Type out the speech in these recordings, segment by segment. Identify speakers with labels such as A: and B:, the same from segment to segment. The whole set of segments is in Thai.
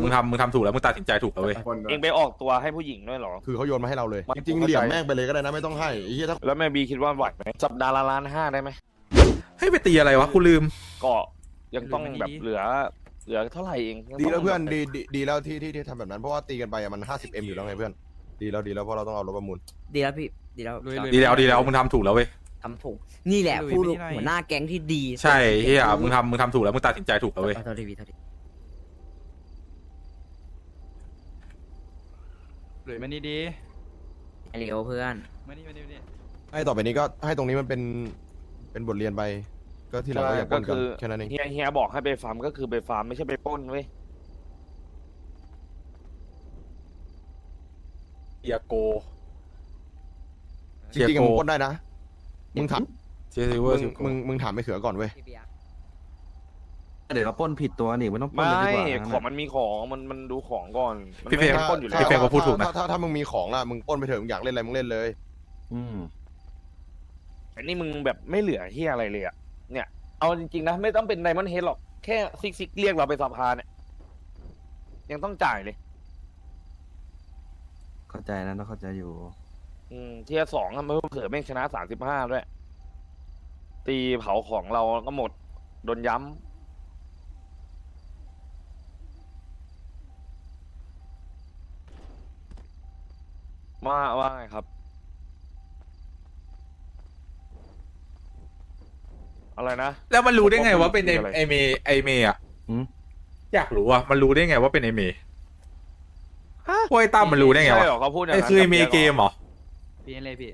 A: มึงทำถูกแล้วมึงตัดสินใจถูกแล้วเว้ย
B: เองไปออกตัวให้ผู้หญิงด้วยเหรอ
C: คือเขาโยนมาให้เราเลย
B: มัน
C: จริงๆเหลี่ยมแม่งไปเลยก็ได้นะไม่ต้องให้ไอ้เหี้ยถ้า
B: แล้วแม่บีคิดว่าไหวไหมสัปดาห์ละ1.5 ล้านได้ไหม
A: ให้ไปตีอะไรวะกูลืม
B: ก็ยังต้องแบบเหลือเท่าไหร่เองยัง
C: ดีแล้ว
B: ต้ง
C: เพื่อน
B: แบบ
C: ดีแล้วที่ทำแบบนั้นเพราะว่าตีกันไปอะมัน 50M อยู่แล้วไงเพื่อนดีแล้วเพราะเราต้องเอารถประมูล
D: ดีแล้วพี่ดีแล้ว
A: ดีแล้วมึงทำถูกแล้วเว้ย
D: ทำถูกนี่แหละผู้หัวหน้าแก๊งที่ดี
A: ใช่เฮียมึงทำถูกแล้วมึงตัดสินใจถูกแล้วเว้ย
D: เท่าที่พี่เท่าที่
E: หลุยมานี่ดี
D: ไอเลียวเพื่อน
E: มานี่
C: ให้ต่อไปนี้ก็ให้ตรงนี้มันเป็นบทเรียนไปก็ที่หลังก็อย่าปล้นกันแค่นั้นเอง
B: เฮียบอกให้ไปฟาร์มก็คือไปฟาร์มไม่ใช่ไปปล้นเว้ย
A: เอียโก
C: จริงๆอะมึงปล้นได้นะมึงถาม
A: เจซิเวอร์
C: มึงถามไปเขือก่อนเว้ย
D: พี่เบียร์
F: เดี๋ยวเราปล้นผิดตัวนี่ไม่ต้องปล้น
B: ไม่
F: เลยดีกว่า
B: ของมันมีของมันดูของก่อนมัน
A: พี่เฟรม
B: ไม่ให้ปล้นอยู่แล้ว
A: พี่เฟรมก็พูดถูกนะ
C: ถ้ามึงมีของล่ะมึงปล้นไปเถอะมึงอยากเล่นอะไรมึงเล่นเลย
F: อืม
B: อันนี้มึงแบบไม่เหลือเฮียอะไรเลยอ่ะเนี่ยเอาจริงๆนะไม่ต้องเป็นไดมอนด์เฮดหรอกแค่ซิกเรียกเราไปสภาเนี่ยยังต้องจ่ายเลย
F: เข้าใจนะต้องเข้าใจอยู่
B: เทียร์ 2อะมันเผื่อแม่งชนะ35ด้วยตีเผาของเราก็หมดโดนย้ำว่าไงครับ อะไรนะ
A: แล้วมันรู้ได้ไงว่าเป็นไอ
B: อะไร
A: ไอเมย์ไอเมย์อ่ะ
F: หืม
A: อยากรู้อ่ะมันรู้ได้ไงว่าเป็นไอเมย์พวกไอ้ตั้มมันรู้ได้ไง
B: ใช่
A: วะ
B: เหรอเขาพูดอย่าง
A: ไอ
B: นั้น
A: คือไอเม
B: กับ
A: ย์เกมเหรอ
E: พี่เลยพี่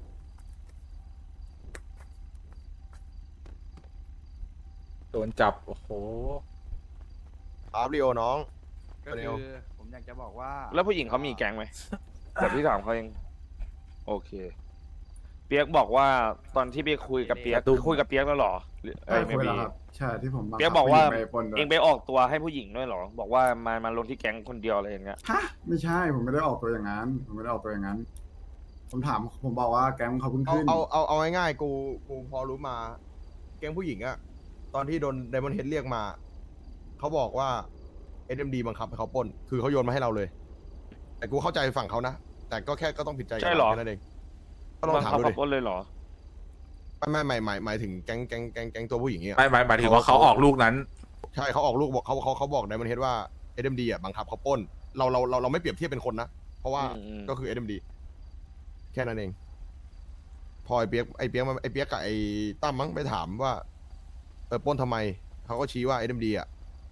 A: โดนจับโอ้โห
C: อาร์ริโอน้อง
E: ก็
C: เร็
E: คื
C: ว
E: อผมอยากจะบอกว่า
B: แล้วผู้หญิงเขามีแก๊งไหมแต่พี่ถามเขาเองโอเค เปียกบอกว่าตอนที่เปียกคุยกับเปียกคุยกับเปียกแล้วเหรอหรือ
G: ใช่
B: ไม่
G: คุย
B: มี
G: แล้วครับใช่ที่ผมบังคั
B: เปียกบอกว่า
G: ผู้หญิงไปปล้นด้ว
B: เอย งไปออกตัวให้ผู้หญิงด้วยเหรอ บอกว่ามาลงที่แก๊งคนเดียวอะไรอย่างเงี้ย
G: ฮะไม่ใช่ผมไม่ได้ออกตัวอย่างนั้นผมไม่ได้ออกตัวอย่างนั้น ผมบอกว่าแก๊งเขาเพิ่งขึ้น
C: เอาง่ายๆกูพอรู้มาแก๊งผู้หญิงอะตอนที่โดนไดมอนด์เฮดเรียกมาเขาบอกว่า SMD บังคับให้เขาปล้นคือเขาโยนมาให้เราเลย แต่กูเข้าใจฝั่งเขานะแต่ก็แค่ก็ต้องผิดใจกัน
B: ใช่เหรอ
C: แค่นั้นเองก็ลอง
B: บัง
C: ถาม
B: คับ
C: ดู
B: ขั
C: ดิ
B: บรถเลยเหรอ
C: ไม่หมายถึงแก๊งตัวผู้หญิงเนี่ย
A: ไม่หมายถึงว่าเขาออกลูกนั้น
C: ใช่เขาออกลูกบอกเขาบอกไดมอนด์เฮดว่า SMD อ่ะบังคับเขาปล้นเราไม่เปรียบเทียบเป็นคนนะ เพราะว่า ก็คือ SMD แค่นั้นเอง พอไอเปียกกับไอ้ตั้มมั้งไปถามว่าปล้นทำไมเขาก็ชี้ว่า SMD อ่ะ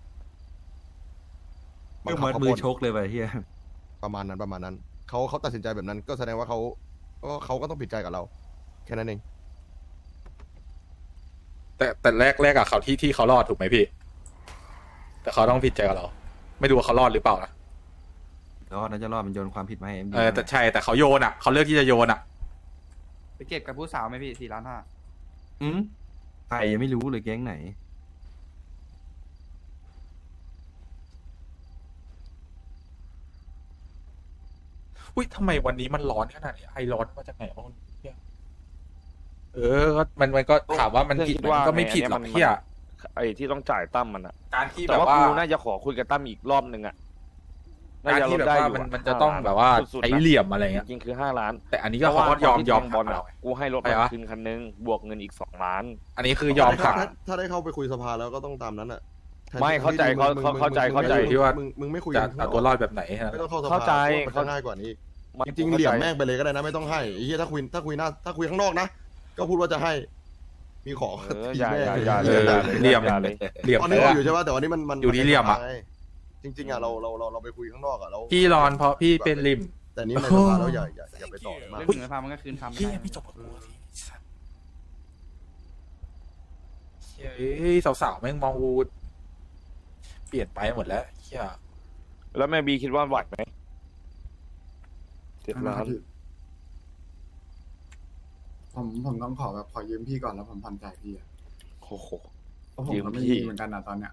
C: บังคับ
F: มัด
C: เขา
F: มื
C: ป
F: อ
C: ล้น
F: ชกเลยไปเฮีย
C: ประมาณนั้นเขาตัดสินใจแบบนั้น ก็แสดงว่าเขาก็ต้องผิดใจกับเรา แค่นั้นเอง
A: แต่แรกอะเขาที่เขารอดถูกไหมพี่ แต่เขาต้องผิดใจกับเรา ไม่รู้ว่าเขารอดหรือเปล่านะ
F: รอดนะจะรอดมันโยนความผิดมาให้เอ็มดี
A: แต่ใช่แต่เขาโยนอะเขาเลือกที่จะโยนอะ
E: ไปเก็บกับผู้สาวไหมพี่4.5 ล้าน
F: ใครยังไม่รู้เลยแก๊งไหน
A: อุ้ยทำไมวันนี้มันร้อนขนาดนี้ไอร้อนมาจากไหนวะเนี่ยก็มันก็ถามว่ามันผิดมันก็ไม่ผิดหรอกเฮีย
B: ไอ้ที่ต้องจ่ายตั้มมันอะ
A: การที่แบ
B: แต่
A: บ
B: ว่า
A: ว่า
B: กูน่าจะขอคุยกับตั้มอีกรอบหนึ่งอะน่า
A: การ
B: จะล
A: ที่
B: ด
A: แบบ
B: ได้
A: ว่า
B: อยู่
A: มันจะต้องแบบว่า
B: สุดๆ
A: ใช้
B: นะ
A: เหลี่ยมอะไรเงี้ย
B: จริงๆคือ5 ล้าน
A: แต่อันนี้ก็เขาก็ยอม
B: บอล
A: หัก
B: อะกูให้รถ
A: ไป
B: มา
A: วะ
B: คืนคันนึงบวกเงินอีก2 ล้าน
A: อันนี้คือยอมหัก
C: ถ้าได้เข้าไปคุยสภาแล้วก็ต้องตามนั้นอ่ะ
B: ไม่เข้าใจ
C: มึง
B: เข้าใจ
A: ที่ว่า
C: มึงไม่คุย
A: จะ
C: กัน
A: เอาตัวรอดแบบไหนฮะ
C: ไม่ต้องเข้าสภา
B: เข้าใจ
C: มันจะง่ายกว่านี้ จริงๆเหลี่ยมแม่งไปเลยก็ได้นะไม่ต้องให้ไอ้เหี้ยถ้าคุยข้างนอกนะก็พูดว่าจะให้ มีของ
B: อย่า
C: แม่ง
B: อย่า
A: เออเหลี่ยม
B: อย่าเลย
A: เหลี่ยม
C: ตอน
A: เล
C: นี้
A: ย
C: เรา
A: อะ
C: อยู่ใช่ป่ะแต่วันนี้มัน
A: อยู่ที่เหลี่ยมอะ
C: จริงๆอะเราไปคุยข้างนอกอะแล้ว
A: พี่ร้อนเพราะพี่เป็นริม
C: แต่นี้ในสภาแล้วอย่าไปต่อมาก
E: เรื่องหนึ่งในพามันก็คืนทำ
A: พี่
E: ได้
A: พี่จบกับกูทีเฮ้ยสาวๆแม่งมองกูเปลี่ยนไปหมดแล้วเฮีย
B: แล้วแม่บีคิดว่าไหวไหม7 ล้าน
G: ผมต้องขอยืมพี่ก่อนแล้วผมผ่อนจ่ายพี่อะ
B: โอ้โห
G: เพราะผม
B: ยืม
G: ก็ไม่
B: พี่
G: มีเหมือนกันนะตอนเนี้ย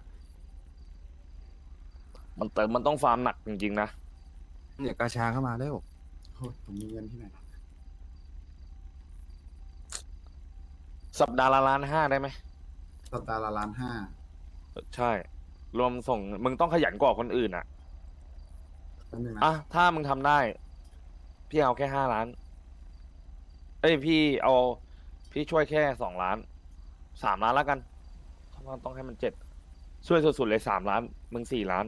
B: มันต้องฟาร์มหนักจริงๆนะ
F: เนี่ยกาชาเข้ามาแล้ว
G: โอ้ยผมมีเงินที่ไหน
B: สัปดาห์ละ1.5 ล้านได้ไหม
G: สัปดาห์ละ1.5 ล้าน
B: ใช่ รวมส่งมึงต้องขยันกว่าคนอื่นอ่ะ
G: นิดนึงนะ
B: อ่ะถ้ามึงทำได้ พี่เอาแค่5 ล้าน เอ้ยพี่ช่วยแค่2 ล้าน 3 ล้านแล้วกันเพราะว่าต้องให้มัน7ช่วยสุดๆเลย3 ล้าน มึง4 ล้าน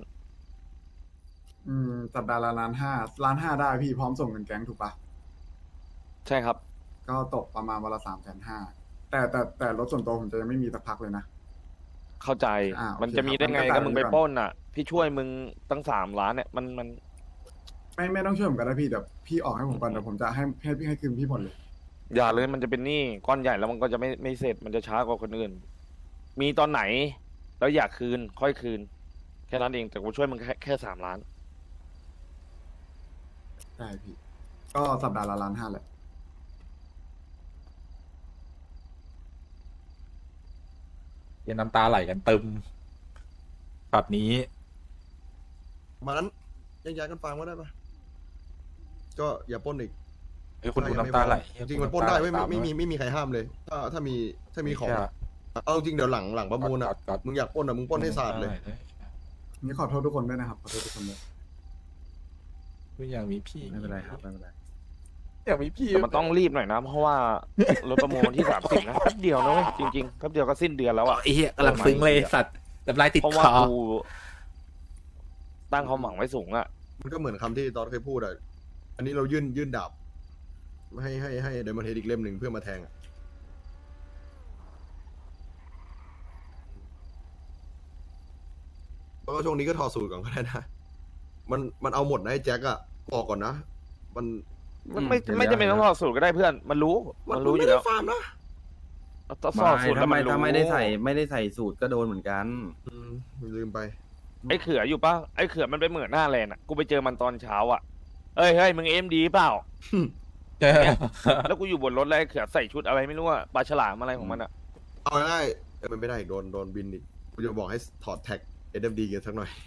G: สัปดาห์ละ1.5 ล้านได้พี่พร้อมส่งเงินแก๊งถูกปะ
B: ใช่ครับ
G: ก็ตกประมาณวันละ350,000แต่รถส่วนตัวผมจะยังไม่มีสักพักเลยนะ
B: เข้าใจ
G: โอเค
B: มันจะมีได้ไง
G: ครับ
B: ก็มึงไป
G: งั้นก็
B: ปล้นอ่ะ พี่ช่วยมึงตั้ง3 ล้านเนี่ยมัน
G: ไม่ต้องช่วยผมก็ได้พี่แต่พี่ออกให้ผมก่อนเดี๋ยวผมจะให้คืนพี่หมดเลย
B: อย่าเลยมันจะเป็นหนี้ก้อนใหญ่แล้วมันก็จะไม่เสร็จมันจะช้ากว่าคนอื่น มีตอนไหน แล้วอยากคืน ค่อยคืน แค่นั้นเองแต่กูช่วยมึงแค่3 ล้าน
G: ได้พี่ ก็สัปดาห์ละ1.5 ล้านแหละ
A: เย็นน้ำตาไหลกันตึมแบบนี้
C: มานั้นแยกย้ายกันฟังก็ได้ปะก็อย่าปล้นอีก
A: ไอ้ยคุณดูน้ำตาไหล
C: จริงๆมันปล้นได้ไม่มีใครห้ามเลย ถ้ามีของอะเอาจริงเดี๋ยวหลังประมูลอ่ะมึงอยากปล้นอ่ะมึงปล้นให้สาดเลย
G: นี่ขอโทษทุกคนด้วยนะครับขอโทษทุกคนด้วย
A: ไม่อยากมีพี่
F: ไม่เป็นไรครับไม่เป็นไร
A: อยากมีพี่
B: แต่มันต้องรีบหน่อยนะ เพราะว่ารถประมูลวันที่30นะแป๊บเดียวนะเว้ยจริงๆแป๊บเดียวก็สิ้นเดือนแล้วอ่ะ
A: ไอ้เหี้ยกำลังซึ้งเลยสัตว์น้ำลายติด
B: เพราะ
A: ค
B: ว่า
A: อ
B: กูตั้งความหวังไว้สูงอ่ะ
C: มันก็เหมือนคำที่ตอนเคยพูดอ่ะอันนี้เรายื่นดาบให้เดมอนเฮดอีกเล่มหนึ่งเพื่อมาแทงอ่ะแล้วก็ช่วงนี้ก็ถอดสูตรก่อนก็ได้นะมันเอาหมดนะไอ้แจ็คอะบอกก่อนนะ มัน
B: มันไม่จำเป็นต้องถอดสูตรก็ได้เพื่อน มันรู้อยู่
C: ไม่
B: แล้
C: ได้
B: ว
C: ฟาร์มนะ
B: ต้องถอดสูตรแล้วมันรู้
F: ถ้าไม่ได้ใส่สูตรก็โดนเหมือนกัน
C: ลืมไป
B: ไอ้เขืออยู่ปะไอ้เขือมันไปเหมือนหน้าแลนด์อ่ะกูไปเจอมันตอนเช้าอ่ะเฮ้ยมึงAMDเปล่า แล้วกูอยู่บนรถแล้วไอ้เขือใส่ชุดอะไรไม่รู้อะปลาฉลามอะไรของมันอะ
C: เอาง่ายๆมันไม่ได้อีกโดนบินอีกกูจะบอกให้ถอดแท็ก SMD กันสักหน่อย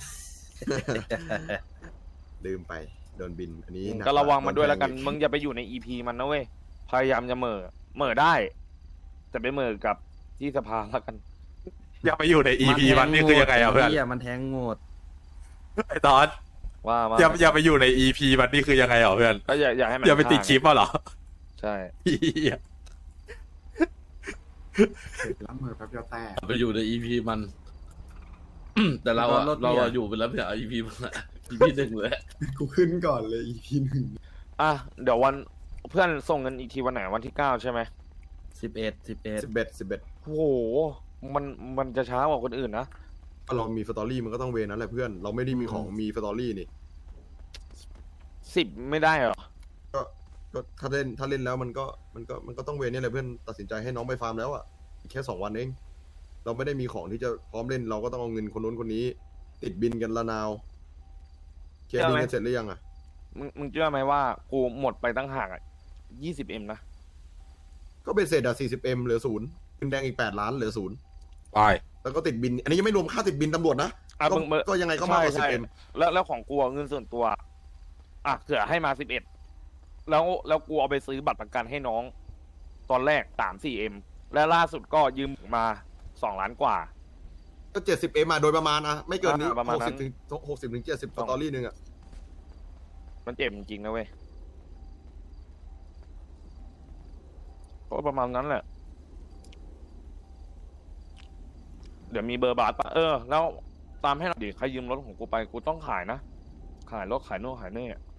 C: ลืมไปโดนบินอันนี้หนั
B: ก็ระวังมันด้วยแล้วกัน
C: โด
B: มึงอย่าไปอยู่ใน EP มันนะเว้ยพยายามจะเหม่อได้ แต่ไปเหม่อกับที่สภาแล้วกัน
A: อยากไปอยู่ใน EP มันนี่คือยังไงอ่ะเพื่อน
F: มันแทงหมด
A: ไอ้ตอน
B: ว่า
A: อย่าไปอยู่ใน EP มันนี่คือยังไงอ่ะเพื่อน
B: ก็อย่าให้มัน
A: อย่าไปติดคลิปอ่ะเหรอ
B: ใช่
A: เหี้ย
G: ล้างมือแป๊บเดียวแตก
H: ไปอยู่ใน EP มัน แต่เราอะอยู่ไปแล้วไม่ใช่ EP มันอะ EP 1เลย
G: กูขึ้นก่อนเลย EP 1
B: อ่ะเดี๋ยววันเพื่อนส่งเงินอีกทีวันไหนวันที่9ใช่ไหม
C: 11
B: โอ้โหมันจะช้ากว่าคนอื่นนะ
C: ถ้าเรามีสตอรี่มันก็ต้องเวนั้นแหละเพื่อนเราไม่ได้มีของมีสตอรี่นี่
B: 10ไม่ได้เหรอ
C: ก็ถ้าเล่นแล้วมันก็ต้องเวรเนี่ยแหละเพื่อนตัดสินใจให้น้องไปฟาร์มแล้วอ่ะอีกแค่2 วันเองเราไม่ได้มีของที่จะพร้อมเล่นเราก็ต้องเอาเงินคนนู้นคนนี้ ติดบินกันละนาวเคลียร์บินกันเสร็จหรือยังอ่ะ
B: มึงเชื่อไหมว่ากูหมดไปตั้งห่างอ่ะ20M นะ
C: ก็เป็นเศษอ่ะ 40M เหลือ0เงินแดงอีก8 ล้านเหลือ0
A: ไป
C: แล้วก็ติดบิน อันนี้ยังไม่รวมค่าติดบินตำรวจนะ
B: อ่ะ
C: ก็
B: มึง
C: ก็ยังไงก็มากกว่า
B: ใช่
C: 10M
B: แล้วของกูอะเงินส่วนตัวอ่ะเขือให้มา11แล้วกูเอาไปซื้อบัตรประกันให้น้อง ตอนแรก3-4M และล่าสุดก็ยืมมา2 ล้านกว่า
C: ก็ 70M มาโดยประมาณนะไม่เกินนี้
B: ประมาณนั้น
C: 60 ถึง 70สตอรี่หนึงอ่ะ
B: มันเจ็บจริงๆนะเว้ยก็ประมาณนั้นแหละ เดี๋ยวมีเบอร์บาทปะแล้วตามให้หน่อยดิใครยืมรถของกูไปกูต้องขายนะ ขายรถขายโน่นขายนี่อะ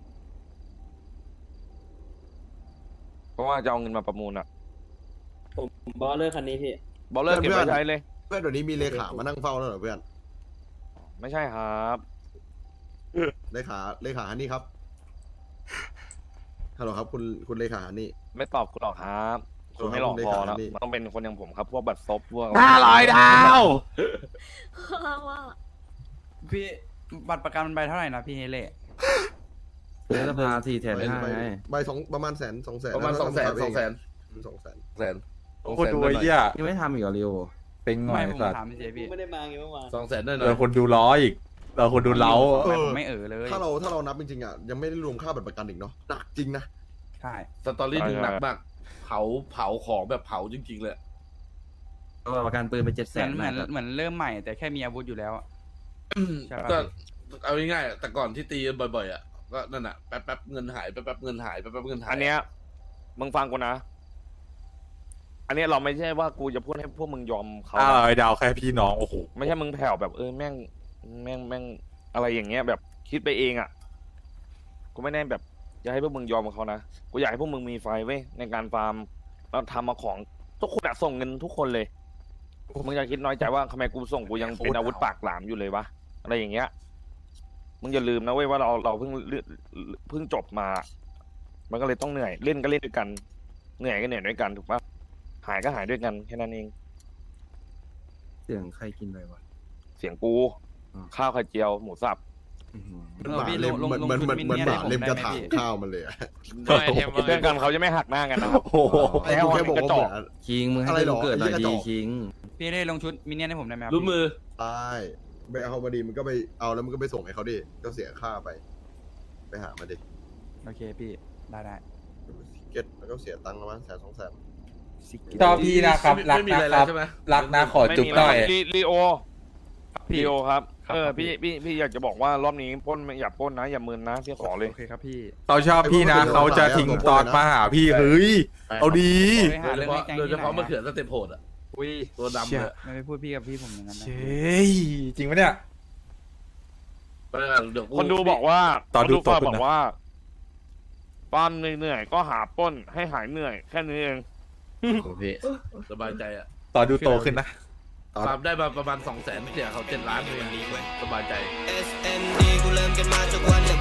B: เพราะว่าจะเอาเงินมาประมูลอะ
I: บอลเลอร์คันนี้พี่
B: บอลเลอร์เก็บไว้ใช้เลย
C: เพื่อนเดี๋ยวนี้มีเลขามานั่งเฝ้าแล้วเหรอเพื่อน
B: ไม่ใช่ครับ
C: เลขาฮันนี่ครับฮัลโหลครับคุณเลขาฮันนี่
B: ไม่ตอบคุณหรอกครับคุณไม่หลอกพอแล้วมันต้องเป็นคนอย่างผมครับ พวกบัตรซบพวก
A: 500 ดาว
E: พี่บัตรประกันมันใบเท่าไหร่นะพี่เฮเล่
F: เนื้อสภา4,500,000ไง
C: ใบประมาณ200,000
H: ประมาณ200,000
A: โอ้โหดูไอ้เหี้ย
F: ยังไม่ทำอีกเหรอเรียว
A: เป็นไง
E: ไม่ผม
A: สัตว์
E: ถามเฉยๆพี่
I: ไม่ได้มาไงเมื่อวาน
H: 200,000ได้หน่
A: เรา
H: อย
A: คนดูล้ออีกเราคนดูเล้า
E: ไม่ผมไม่เลย
C: ถ้าเรานับจริงๆอ่ะยังไม่ได้รวมค่าบัตรประกันอีกเนาะหนักจริงนะ
E: ใช่
H: สตอรี่หนึ่งหนักมาก เผาของแบบเผาจริงๆเลย
F: ก็ประกันปืนไป
E: เหมือน
F: 700,000
E: เหมือนเริ่มใหม่แต่แค่มีอาวุธอยู่แล้วอะ ใช่ปะ
H: ก็เอาง่ายๆแต่ก่อนที่ตีกันบ่อยๆอ่ะก็นั่นอ่ะแป๊บๆเงินหายแป๊บๆเงินหายแป๊บๆเงินหาย
B: อันเนี้ยมึงฟังกูนะ อันเนี้ยเราไม่ใช่ว่ากูจะพูดให้พวกมึงยอมเขา
A: ไอ้ดาวแค่พี่น้องโอ้โห
B: ไม่ใช่มึงแผ่วแบบแม่งอะไรอย่างเงี้ยแบบคิดไปเองอ่ะกูไม่ได้แบบอยากให้พวกมึงยอมเขานะกูอยากให้พวกมึงมีไฟเว้ยในการฟาร์มเราทำมาของทุกคนอะส่งเงินทุกคนเลยมึงอย่าคิดน้อยใจว่าทำไมกูส่งกูยังเป็นอาวุธปากหลามอยู่เลยวะอะไรอย่างเงี้ยมึงอย่าลืมนะเว้ยว่าเราเพิ่งจบมา มันก็เลยต้องเหนื่อยเล่นก็เล่นด้วยกันเหนื่อยก็เหนื่อยด้วยกันถูกปะหายก็หายด้วยกันแค่นั้นเอง
F: เสียงใครกินไปวะ
B: เสียงกู
F: อ่า
B: ข้าวไข่เจียวหมูสับ
C: เหมือนหมาเล่มเหมือนหมาเล่มกระถางข้าวมันเลยอะ
B: เพื่อนกันเขาจะไม่หักหน้ากันนะครับ
A: โอ้โห
C: ไอ้กูแค่บอกว่าเหมือน
F: คิงมึงให้
C: อะไรหรอ
F: เกิดหน่อย
C: ไอ้เหี้ยกระจ
F: ดี
C: อก
F: คิง
E: พี่เล่ลงชุดมินเนี่ยนให้ผมได้ไหมครับ
H: รู้มือ
C: ใช่ไปเอามาดีมันก็ไปเอาแล้วมันก็ไปส่งให้เขาดิก็เสียค่าไปหามาดิ
E: โอเคพี่ได้
C: เก็ตแล้วก็เสียตังค์ประมาณ100,000-200,000
A: ชอบพี่นะครับรัก
H: ไม่มี
A: นะ
H: อะไร
A: ค
H: แล้
A: รั
H: ว
A: บ
H: ใช่ไหม
A: รักนะขอจุ๊บหน่อย
B: ลีโอ
E: พี่
B: ลีโอครับ
E: ครับ
B: พี่อยากจะบอกว่ารอบนี้ปล้นอย่าปล้นนะอย่ามึนนะพี่ขอเลย
E: โอเคครับพี่
A: เขาชอบพี่นะเขาจะทิ้งตอนมาหาพี่เฮ้ยเอาดี
E: ไปหาเรื่องให้แก๊ง
H: โดย
E: ที่
H: เฉ
E: ไหน
H: พาะมะ
E: อะ
H: เขือสเต็ปโหดอ่ะ
E: อุ้ย
H: ตัวดำ
A: เชี่
H: เลย ย
E: ไม่ไปพูดพี่กับพี่ผมอย่างนั้นนะ
A: เฮ้ยจริงปะเนี่ย
H: เดี๋ยว
B: คนดูบอกว่า
A: ตอนดู
B: ค
A: ต
B: ฝา
A: บ
B: ก
A: คุณนะ
B: บอกว่าตอนเหนื่อยๆก็หาปล้นให้หายเหนื่อยแค่นี้เอง
H: สบายใจอ่ะ
A: ตอนดูโตขึ้นนะ
H: ฟาร์มได้มาประมาณ200,000เสียเขา7 ล้านเลยสบายใจ
J: SND กูเริ่มกันมาจากวันไหน